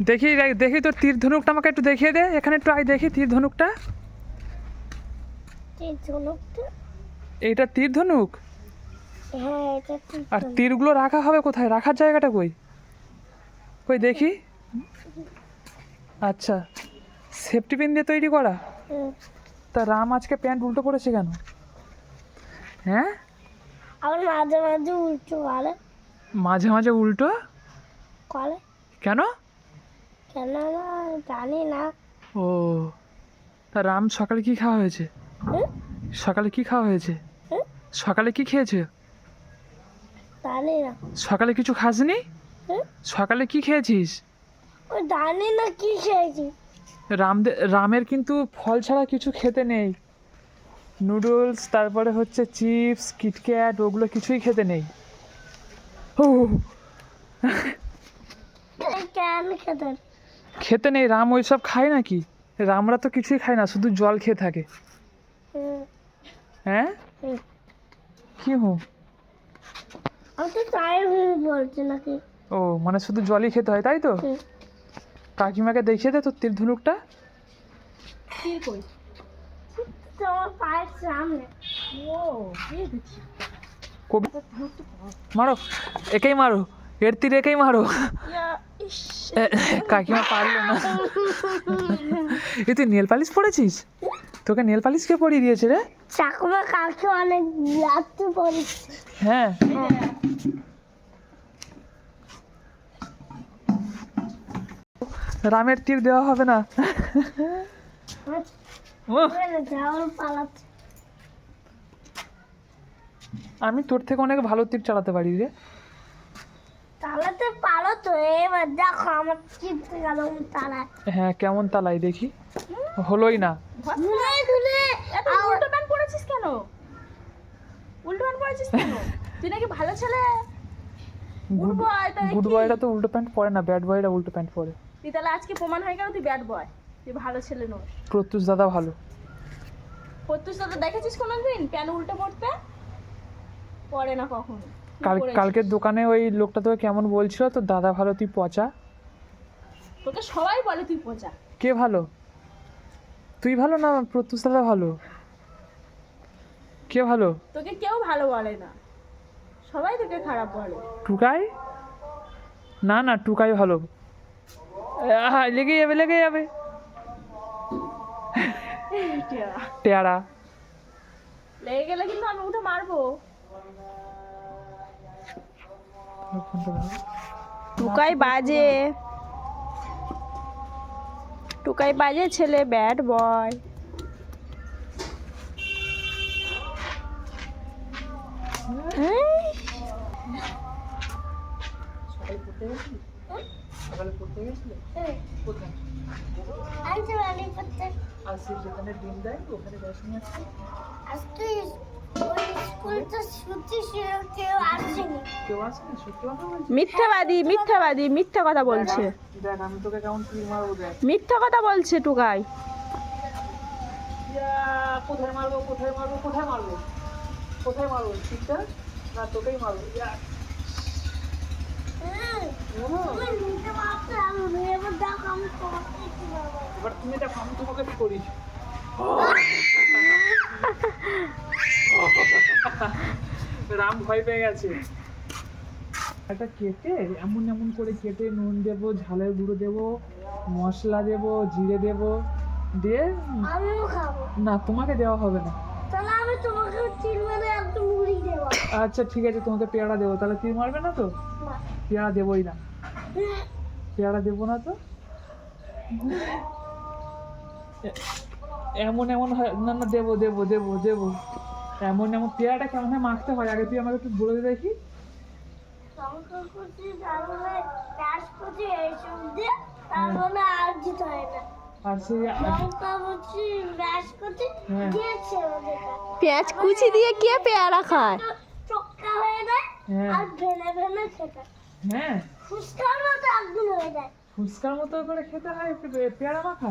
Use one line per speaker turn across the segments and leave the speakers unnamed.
দেখি দেখি তোর তীর ধনুকটা আমাকে একটু দেখিয়ে দে, এখানে একটু আয় দেখি তীর ধনুকটা। এইটা তীর ধনুক?
হ্যাঁ এটা তীর
আর
ধনুক।
তীরগুলো রাখা হবে কোথায়, রাখার জায়গাটা কই? কই দেখি। আচ্ছা, সেফটি পিন দিয়ে তৈরি করা।
হুম।
তা রাম আজকে প্যান্ট উল্টো পড়েছে কেন? হ্যাঁ,
আবার মাঝে মাঝে উল্টো করে।
মাঝে মাঝে উল্টো
করে
কেন?
কেন না জানি না।
ও, তা রাম সকালে কি খাওয়া হয়েছে?
হুম?
সকালে কি খাওয়া হয়েছে?
হুম?
সকালে কি খেয়েছে?
জানি না।
সকালে কিছু খাসনি?
হুম?
সকালে কি খেয়েছিস?
ও জানি না কি খেয়েছি।
রামের কিন্তু ফল ছাড়া কিছু খেতে নেই। নুডলস, তারপরে হচ্ছে চিপস, কিটক্যাট, ওগুলো কিছুই খেতে নেই। ও,
কেন খেতে?
খেতে নেই, রাম ওইসব খায় নাকি? রামরা তো কিছুই খায় না, শুধু জল খেয়ে থাকে।
হুম।
হ্যাঁ,
হুম।
কি হুম?
আমি তো চায়ের হুম বলছি নাকি।
ও, মানে শুধু জলই খেতে হয় তাই তো?
হুম।
কাকিমাকে দেখিয়ে দে তোর তীর ধনুকটা।
তীর কই? তো আমার পায়ের সামনে। ও এই দেখছি।
মারো, একেই মারো, এর তীর একেই মারো। কাকিমা পারলো না। এ তুই নেল পালিশ পড়েছিস? তোকে নেল পালিশ কে পরিয়ে দিয়েছে রে?
চাকুমা কালকে অনেক লাগতে পড়েছে।
হ্যাঁ, রামের তীর দেওয়া হবে না। উহ,
যাওয়ার পালাচ্ছে।
আমি তোর থেকে অনেক ভালো তীর চালাতে পারি রে।
তালাতে পারো তো, এবার দেখো আমার চিনতে গেল তালায়।
হ্যাঁ, কেমন তালাই দেখি। হলোই না।
ঘুরে ঘুরে
এত উল্টো প্যান্ট পরেছিস কেন? উল্টো প্যান্ট পরেছিস কেন? তুই নাকি ভালো ছেলে। গুড বয়, তাহলে
গুড
কি?
বয়রা তো উল্টো প্যান্ট পরে না, ব্যাড বয়রা উল্টো প্যান্ট পরে।
তুই তাহলে আজকে প্রমাণ হয়ে গেল তুই ব্যাড বয়, তুই ভালো ছেলে নোস।
প্রত্যুষ দাদা ভালো।
প্রত্যুষ তো দেখেছিস কোনোদিন প্যান্ট উল্টো পড়তে? পরে না কখনো। তুই পরেছিস।
কালকের দোকানে ওই লোকটা তোকে কেমন বলছিল, তোর দাদা ভালো তুই পচা।
তোকে সবাই বলে তুই পচা।
কে ভালো? তুই ভালো না প্রত্যুষ দাদা ভালো? কে ভালো?
তোকে কেউ ভালো বলে না, সবাই তোকে খারাপ বলে।
টুকাই? না না, টুকাই ভালো। লেগে যাবে, লেগে যাবে। টেয়ারা।
লেগে গেলে কিন্তু আমি উঠে মারবো। টুকাই বাজে, টুকাই বাজে ছেলে, ব্যাড বয়।
আজকে বাড়ি করতে
আজকে যেখানে ডিম দেয় ওখানে দর্শনী আছে।
আজকে ওই স্কুলটা ছুটি ছিল, কেউ আসেনি।
কেউ আসেনি? সত্যি কথা বলছি?
মিথ্যাবাদী, মিথ্যাবাদী, মিথ্যা কথা বলছে।
দেখ আমি তোকে কেমন তীর মারবো দেখ।
মিথ্যা কথা বলছে টুকাই।
কোথায় মারবো, কোথায় মারবো, কোথায় মারবো, কোথায় মারবো? ঠিকটা না, তোকেই মারবো।
তুমি নিতে পারছো, আমি এবার দেখো আমি তোমাকে কি বলবো।
এবার তুমি দেখো আমি তোমাকে কি করি। রাম ভয় পেয়ে গেছে। একটা কেটে এমন এমন করে কেটে নুন দেবো, ঝালের গুঁড়ো দেবো, মশলা দেবো, জিরে দেবো, দিয়ে
আমিও খাবো।
না তোমাকে দেওয়া হবে না।
তাহলে আমি তোমাকে তিন মানে একদম মুড়ি দেবো।
আচ্ছা ঠিক আছে, তোমাকে পেয়ারা দেবো। তাহলে তীর মারবে না তো?
না।
পেয়ারা দেবোই না, পেয়ারা দেবো না তো। এমন এমন হয় না, না দেবো দেবো দেবো দেবো। এমন এমন পেয়ারাটা কেমন হয় মাখতে হয় আগে তুই আমাকে একটু বলে দে দেখি।
লঙ্কা কুচি, তারপরে পেঁয়াজ কুচি এইসব দিয়ে, তারপরে আর দিতে হয় না।
আর সেই
লঙ্কা কুচি, পেঁয়াজ কুচি
হ্যাঁ।
দিয়েছে ওদের।
পেঁয়াজ কুচি দিয়ে কে পেয়ারা খায়?
চক্কা হয়ে যায়
হ্যাঁ
আর ভেনে ভেনে খেতে।
হ্যাঁ,
ফুচকার মতো একদিন হয়ে যায়।
ফুচকার মতো করে খেতে হয় একটু পেয়ারা মাখা।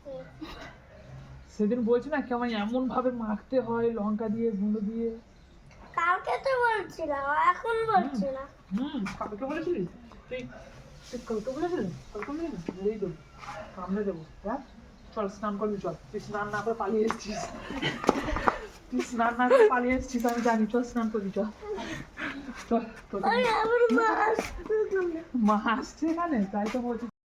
সেদিন বলছি না কেমন এমন ভাবে মাখতে হয় লঙ্কা দিয়ে, গুঁড়ো দিয়ে।
কালকে তো বলছিলাম, এখন বলছি না।
কালকে বলেছিলি তুই? তুই কালকে বলেছিলি কালকে বলেছিলি মেরেই দেবো কামড়ে দেবো হ্যাঁ চল স্নান করবি চল তুই স্নান না করে পালিয়ে এসেছিস তুই স্নান না করে পালিয়ে এসেছিস আমি জানি চল স্নান করবি চল চল তোকে
আমার মা আসতে
মা আসছে এখানে তাই তো বলছি